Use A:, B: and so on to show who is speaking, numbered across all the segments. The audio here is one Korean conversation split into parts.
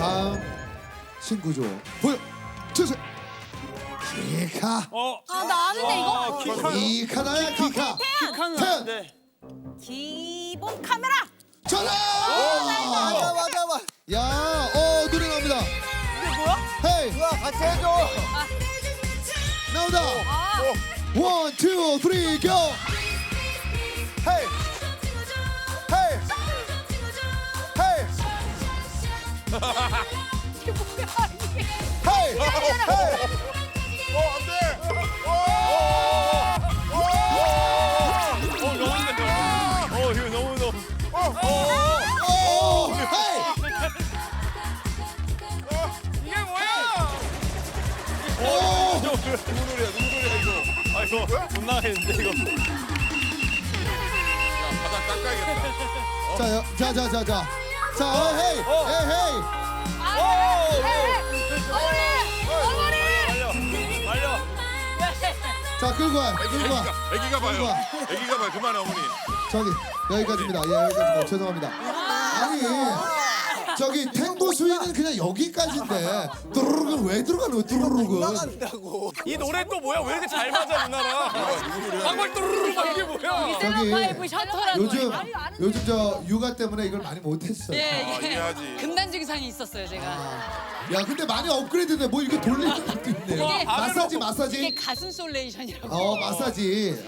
A: 다음 신구조 보여주세요. 키카.
B: 나 아는데 이거.
A: 키카 나야 키카. 태연.
B: 기본 카메라.
A: 전화.
C: 맞아.
A: 야, 노래 나옵니다.
B: 이게 뭐야?
A: 헤이.
C: 누나 같이 해줘.
A: 나온다. 원, 투, 쓰리, 고.
C: 헤이. 헤이. 헤이.
B: 이게 뭐야 이게?
C: 헤이. 헤이.
D: 안 돼! 이거 너무.
A: 헤이.
D: 이게 뭐야? 누구 노래야, 이거? 아, 이거 못 나가겠는데, 이거. 야, 바닥 닦아야겠다.
A: 자, 헤이. 헤이.
B: 어머니.
D: 말려.
A: 자, 끌고 와.
D: 애기가 봐요. 그만해, 어머니.
A: 저기 여기까지입니다. 예, 여기까지입니다. 죄송합니다. 아니 저기 탱고 수위는 그냥 여기까지인데 뚜루룩은 왜 들어가는 거야? 뚜루룩은
C: 나간다고.
D: 이 노래 또 뭐야? 왜 이렇게 잘 맞아, 누나랑? 방울 또르르 막 이게 뭐야?
B: 세븐파이브 셔터라는
A: 요즘 저 육아 때문에 이걸 많이 못했어요.
B: 예,
D: 이해하지.
B: 금단 증상이 있었어요 제가.
A: 야 근데 많이 업그레이드돼. 뭐 이거 돌리는 것도 있네요.
B: 이게-
A: 마사지.
B: 이게 가슴 솔레이션이라고.
A: 마사지.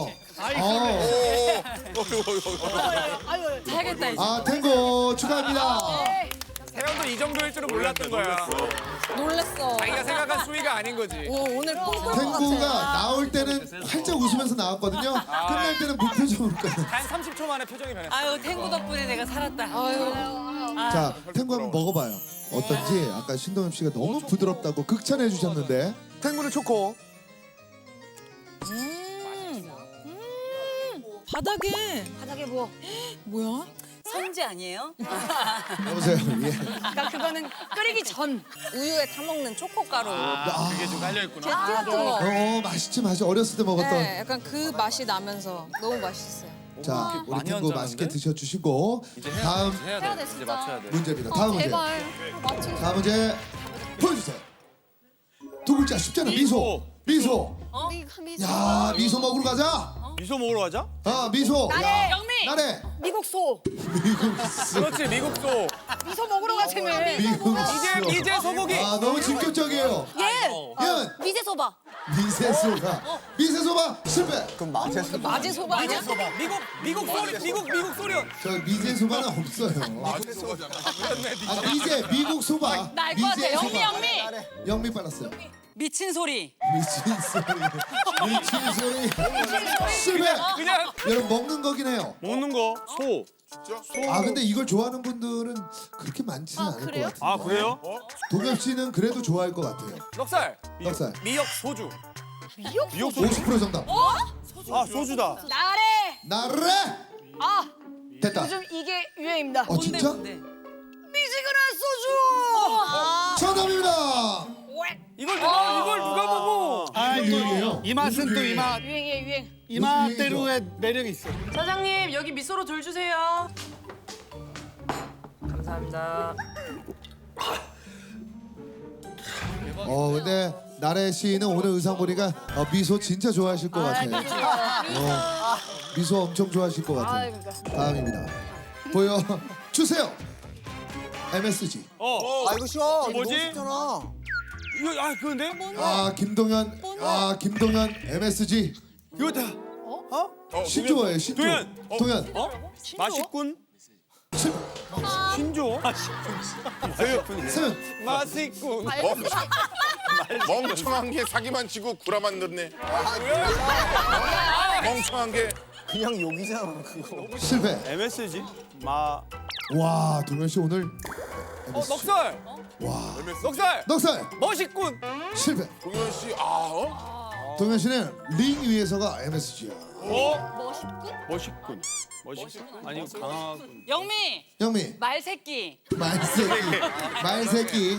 B: 해야겠다 이제.
A: 탱고 축하합니다.
D: 태연도 이 정도일 줄은 몰랐던 거야.
E: 놀랬어.
D: 자기가 생각한 수위가 아닌 거지.
E: 오늘 뽕뽕
A: 탱고가 나올 때는 활짝 웃으면서 나왔거든요. 끝날 때는 무표정으로 끝나.
D: 한 30초 만에 표정이 변했어.
B: 아유 탱고 덕분에 내가 살았다.
A: 자, 탱고 한번 먹어봐요. 어떤지. 아까 신동엽 씨가 너무 부드럽다고 극찬해 주셨는데.
C: 탱구는 초코.
E: 바닥에 뭐?
B: 뭐야? 선지 아니에요?
A: 여보세요. 예.
B: 그러니까 그거는 끓이기 전.
E: 우유에 타먹는 초코가루.
D: 그게 좀 깔려있구나.
E: 제티 같은 거.
A: 맛있지. 어렸을 때 먹었던.
E: 네, 약간 그 맛이 나면서 너무 맛있어요.
A: 자, 우리
D: 많이
A: 탱고
D: 얹었는데?
A: 맛있게 드셔주시고 다음
D: 해야 돼.
E: 진짜.
D: 맞춰야 돼.
A: 문제입니다. 다음 문제.
E: 제발 맞추.
A: 다음 문제 보여주세요. 두 글자 쉽잖아. 미소. 야, 미소 먹으러 가자.
D: 미소 먹으러 가자?
A: 미소. 야,
B: 영미.
A: 나래.
B: 미국 소.
A: 미국 소.
D: 그렇지, 미국 소.
B: 미소 먹으러 가자며.
A: 미국 소.
D: 미제 소고기.
A: 너무 직접적이에요. 연.
E: 미제 소바.
A: 미세소바. 미세소바 실패.
C: 그럼 마제소.
E: 마제 소바 아니야?
D: 미국 소련.
A: 저 미제소바는 없어요. 미국 소바.
B: 나 알 것 같아. 영미.
A: 영미 빨랐어요.
B: 미친 소리.
A: 미친 소리. 실패.
D: 그냥
A: 여러분 먹는 거긴 해요.
D: 먹는 거. 소.
A: 근데 이걸 좋아하는 분들은 그렇게 많지는 않을 것 같아요.
D: 아, 그래요?
A: 동엽 씨는 그래도 좋아할 것 같아요.
D: 넉살.
A: 넉살.
D: 미역 소주. 미역
A: 50% 정답.
D: 아, 소주다.
B: 나래.
A: 나래. 됐다.
B: 요즘 이게 유행입니다.
A: 진짜?
B: 미지근한 소주.
A: 정답입니다.
D: 이걸 누가 보고?
A: 유행이에요.
F: 이 맛은 또 이 맛,
B: 유행이에요 유행.
F: 이 맛대로의 매력이 있어.
G: 사장님 여기 미소로 돌 주세요. 감사합니다.
A: 근데 나래 씨는 오늘 의상 보니까 미소 진짜 좋아하실 것 같아요. 미소 엄청 좋아하실 것 같아요. 다음입니다. 보여 주세요. MSG.
C: 이거 쉬워. 이거
D: 뭐지?
C: 너무 쉽잖아.
D: 이거 그건데?
A: 김동현 MSG.
D: 이거다.
A: 신조어예요. 신조.
D: 동현.
A: 동현.
D: 맛있군. 신조.
A: 세연.
D: 맛있군.
H: 멍청한 게 사기만 치고 구라만 넣네. 멍청한 게.
C: 그냥 욕이잖아 그거.
A: 실패.
D: MSG.
A: 와, 동현 씨 오늘
D: 넉살.
A: 와.
D: 넉살.
A: 넉살.
D: 멋있군.
A: 실패.
H: 동현 씨,
A: 동현 씨는 링 위에서가 MSG야.
D: 멋있군. 아니 강하군.
B: 영미.
A: 영미.
B: 말새끼.
A: 말새끼.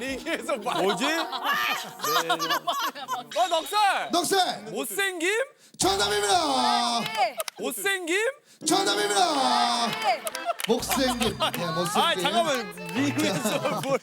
D: 뭐지? 넉살.
A: 넉살.
D: 못생김?
A: 정답입니다.
D: 못생김?
A: 정답입니다. 못생김. 네, 못생김.
D: 아 잠깐만 미미에서 뭘?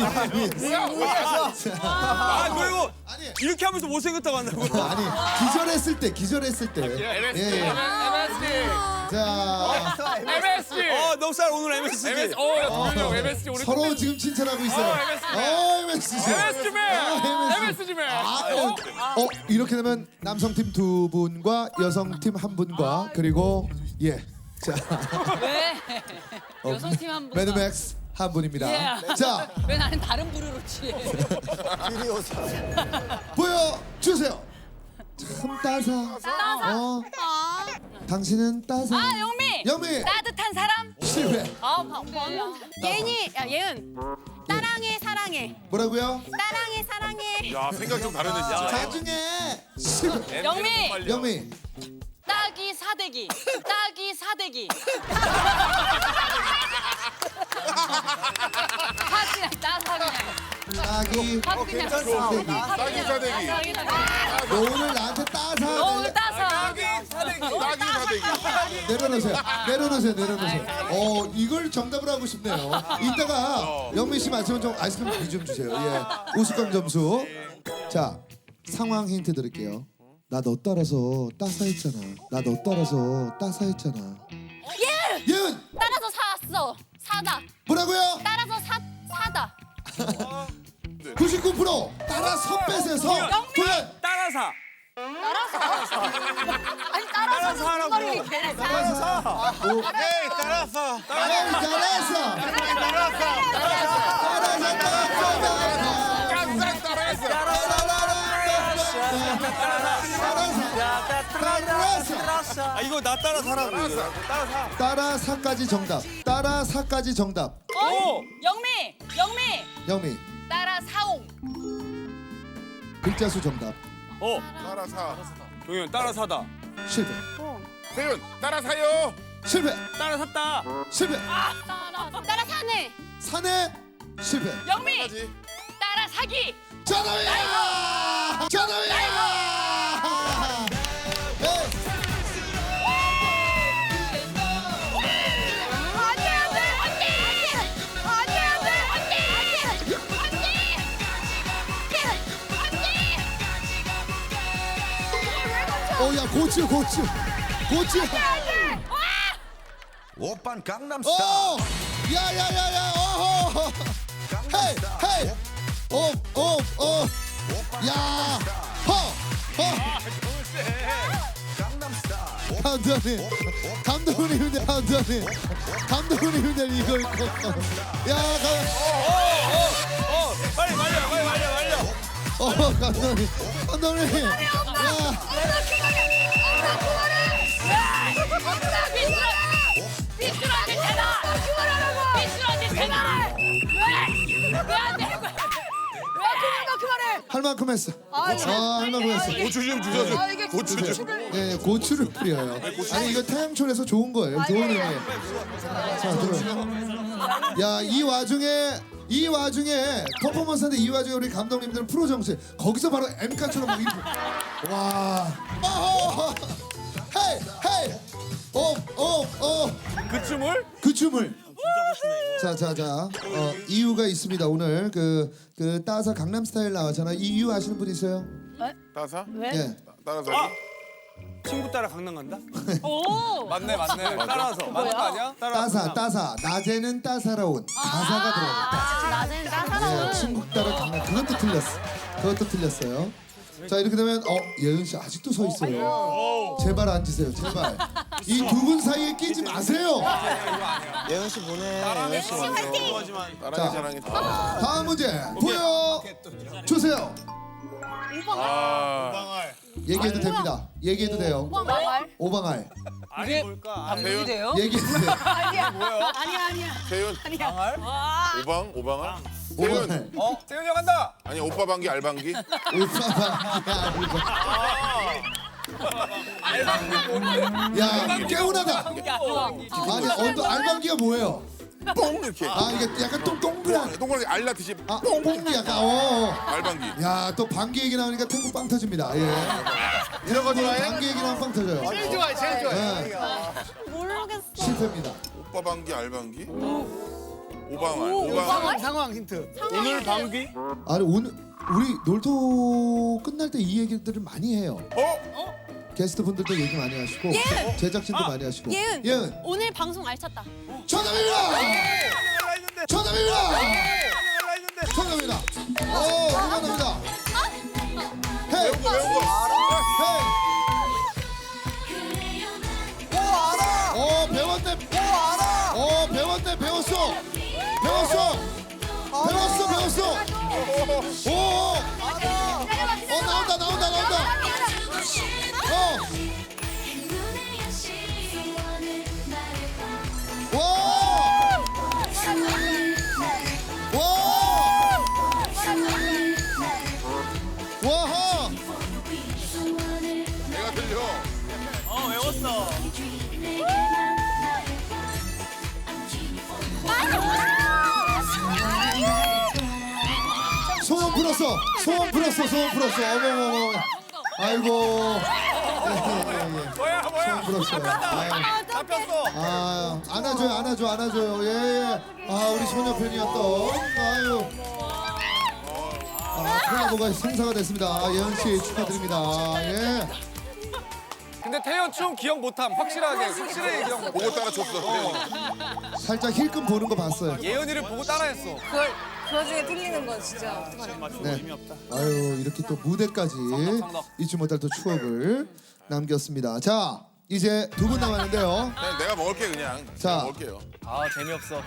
D: 아 그리고
A: 아니.
D: 이렇게 하면서 못생겼다고 한다고?
A: 아니 기절했을 때.
D: MSG.
A: 예.
D: MSG.
A: 자,
D: MSG. 넉살 오늘 MSG. MSG. 동현이 형 MSG 오늘
A: 서로 지금 칭찬하고 있어요. MSG.
D: MSG맨.
A: 이렇게 되면 남성팀 2분과 여성팀 1분과 그리고 자
B: 왜? 여성팀 한 분.
A: 매드맥스 1분입니다. 자,
B: 왜 나는 다른 부류로 취해?
A: 보여주세요. 참 따사. 당신은 따사.
B: 아 영미.
A: 영미.
B: 따뜻한 사람.
A: 실패.
E: 예은이, 야 예은. 따랑해 사랑해.
A: 뭐라고요?
E: 따랑해 사랑해.
H: 야 생각 좀 다르네 진짜.
A: 나중에 실패.
B: 영미.
A: 영미.
B: 따기 사대기. 따기 사대기. 하지 따사 그냥.
A: 따기.
B: 그냥.
H: 따기 사대기.
A: 너 오늘 나한테 따사.
B: 너무 따사.
H: 따기 사대기.
A: 내려놓으세요. 이걸 정답을 하고 싶네요. 이따가 영민 씨 맞으면 좀 아이스크림 비 좀 주세요. 예, 우스꽝 점수. 자, 상황 힌트 드릴게요. 나 너 따라서 따사했잖아. 예은.
E: 따라서 샀어. 사다.
A: 뭐라고요?
E: 따라서 사다.
A: 99% 따라서 빼세요. 도현.
D: 따라사.
E: 아니 따라서 하라고.
A: 에이, 잘했어.
D: 아 이거 나 따라사라고.
A: 따라사까지 정답. 따라사까지 정답.
D: 오.
B: 영미.
A: 영미.
B: 따라사옹.
A: 글자 수 정답.
H: 따라사.
D: 동현 따라사다.
A: 실패.
H: 세윤 따라사요.
A: 실패.
D: 따라샀다.
A: 실패.
E: 따라사네.
A: 사내. 실패.
B: 영미.
H: 까지.
B: 따라사기.
A: 정답이야! 야, 고추.
I: 오빤 강남스타일.
A: 야야야야. 헤이. 야. 감독님들 이거. 야,
D: 빨리 말려.
A: 감독님. 야. 할 만큼 했어. 할 만큼 했어.
H: 고추 좀 주셔줘. 고추 좀.
A: 네, 고추를 뿌려요. 아니 이거 태양초에서 좋은 거예요. 좋은 의미예요. 자, 들어. 야, 이 와중에 퍼포먼스인데 이 와중에 우리 감독님들은 프로 정신. 거기서 바로 엠카처럼 막 이렇게. 와. 헤이. 그 춤을. 자. 이유가 있습니다. 오늘 그 따사 강남스타일 나왔잖아. 이 이유 아시는 분 있어요?
H: 따사?
A: 예.
H: 따라사기?
D: 친구 따라 강남 간다?
B: 오.
D: 맞네. 따라서. 맞는 거 아니야?
A: 따사. 낮에는 따사로운 가사가 들어갑니다.
E: 낮에는 따사로운.
A: 친구 따라 강남. 그것도 틀렸어요. 자, 이렇게 되면 예은 씨 아직도 서 있어요. 제발 앉으세요. 제발. 이 두 분 사이에 끼지 마세요.
C: 예은 씨 보내. 예은 씨 화이팅.
H: 따라기 자랑이.
A: 다음 문제 보여 주세요. 얘기해도 됩니다. 얘기해도 돼요. 오방알.
D: 아니 뭘까?
H: 세윤.
A: 얘기해도 돼요.
B: 아니야.
H: 세윤. 오방알?
A: 오방알.
H: 세윤.
D: 세윤이 형 간다.
H: 아니 오빠 방귀 알방귀?
A: 야, 개운하다. 아니, 알방기가 뭐예요?
H: 뽕 이렇게.
A: 아 이게 약간 좀 동그란.
H: 동그랗게 알라듯이
A: 아 뽕이 약간.
H: 알방기.
A: 야 또 방귀 얘기 나오니까 탱고 빵 터집니다. 예. 이런 거 좋아해? 방귀 얘기 나오면 빵 터져요.
F: 제일 좋아해, 제일 좋아해.
A: 네.
E: 모르겠어.
A: 실패입니다.
H: 오빠 방귀 알방귀. 오방알.
F: 상황 힌트. 오늘 방귀?
A: 아니 오늘 우리 놀토 끝날 때 이 얘기들을 많이 해요. 게스트 분들도 얘기 많이 하시고 제작진도 많이 하시고.
E: 예은. 오늘 방송 알찼다.
A: 정답입니다. 정답입니다. 정답입니다. 응원합니다. 헤이.
H: 배운 거.
A: 헤이. 배웠네. 배웠네. 배웠어. 나온다. 와하.
H: 내가 들려.
F: 외웠어.
A: 소원 풀었어. 어머. 아이고.
D: 뭐야?
A: 소원 풀었어요.
D: 잡혔어.
A: 안아줘요. 예. 아 우리 소녀편이었던. 아유. 콜라보가 생사가 됐습니다. 예은 씨 축하드립니다. 예.
D: 근데 태연 춤 기억 못함. 확실하게 기억 못.
H: 보고 따라쳤어.
A: 살짝 힐끔 보는 거 봤어요.
D: 예은이를 보고 따라했어.
G: 그 와중에 틀리는 건 진짜
A: 네. 아유 이렇게 또 무대까지 잊지 못할 또 추억을 남겼습니다. 자 이제 두 분 남았는데요.
H: 그냥 내가 먹을게 그냥.
A: 자.
H: 내가 먹을게요.
D: 아 재미없어.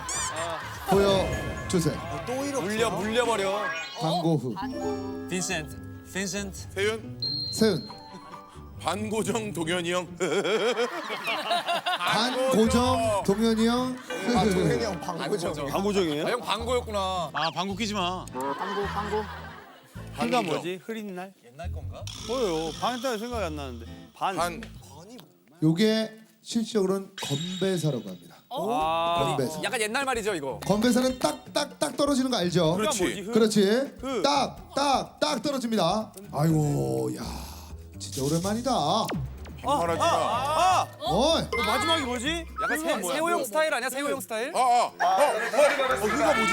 A: 보여주세요.
D: 물려버려.
A: 광고 후
D: 빈센트.
H: 세윤
A: 세은
H: 반고정 동현이 형.
A: 반고정 동현이 형.
F: 방구정이에요?
D: 아 형 방고였구나.
F: 아, 방구 끼지 마.
G: 방구.
F: 그가 뭐지? 흐린 날?
D: 옛날 건가?
F: 뭐요? 반했다는 생각이 안 나는데.
H: 반.
A: 요게 실질적으로는 건배사라고 합니다.
F: 아,
A: 건배사.
D: 약간 옛날 말이죠 이거.
A: 건배사는 딱딱딱 떨어지는 거 알죠?
H: 그렇지.
A: 그렇지. 딱딱딱 떨어집니다. 아이고 야 진짜 오랜만이다.
H: 말하지 마.
F: 아!
A: 어이.
F: 마지막이 뭐지?
D: 약간 세호형 스타일 아니야? 세호형 스타일?
H: 그가 뭐지?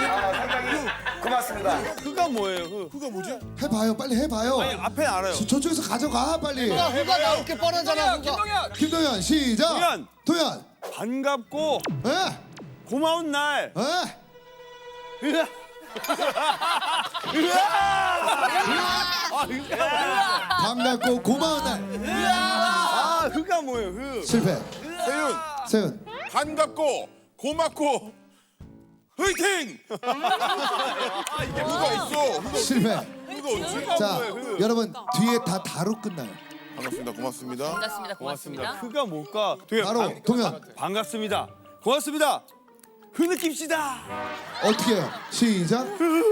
F: 흐가 뭐예요?
H: 그가 뭐지?
A: 해봐요 빨리 해봐요.
F: 아니, 앞에 알아요.
A: 저쪽에서 가져가 빨리.
F: 흐가 나올게 뻔하잖아.
D: 김동현.
A: 김동현 시작.
F: 도현.
A: 도현.
F: 반갑고
A: 에?
F: 고마운 날.
A: 에?
F: 으아.
A: 반갑고 고마운 날.
F: 아, 흐가 뭐예요? 흐.
A: 실패. 세윤.
H: 반갑고 고맙고 화이팅! 그가 없어.
A: 실패.
H: 그가 없지?
A: 자 여러분 뒤에 다 다로 끝나요.
H: 반갑습니다. 고맙습니다.
G: 고맙습니다.
F: 흐가 뭘까? 도현.
A: 바로 동현.
F: 반갑습니다. 고맙습니다. 흐느낍시다.
A: 어떻게 해요? 시작.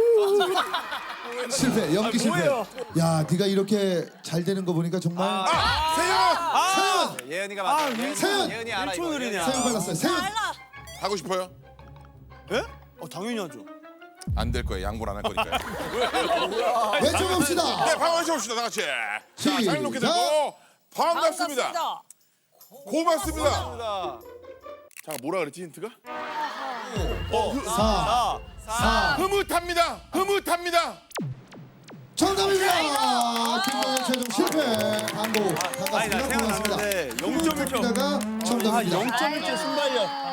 A: 실패. 연기 실패.
F: 뭐예요?
A: 야 네가 이렇게 잘 되는 거 보니까 정말. 세윤.
D: 예은이가 맞아.
A: 세윤.
D: 예은이 알아 이거.
F: 1초 느리냐?
A: 세윤 빨랐어요. 세윤.
H: 하고 싶어요?
F: 예? 당연히 하죠.
H: 안 될 거예요. 양보를 안 할 거니까요.
A: 외쳐봅시다.
H: 네, 방황 해봅시다. 다 같이. 자, 잘 놓게 되고 반갑습니다. 고맙습니다. 자, 뭐라 그랬지 힌트가?
A: 4.
H: 흐뭇합니다.
A: 정답입니다. 김동현 최종 실패. 광고
F: 아니, 나
A: 반갑습니다. 고맙습니다.
F: 생각났는데 0.1점.
A: 정답입니다가 정답입니다.
F: 0.1점 순발력.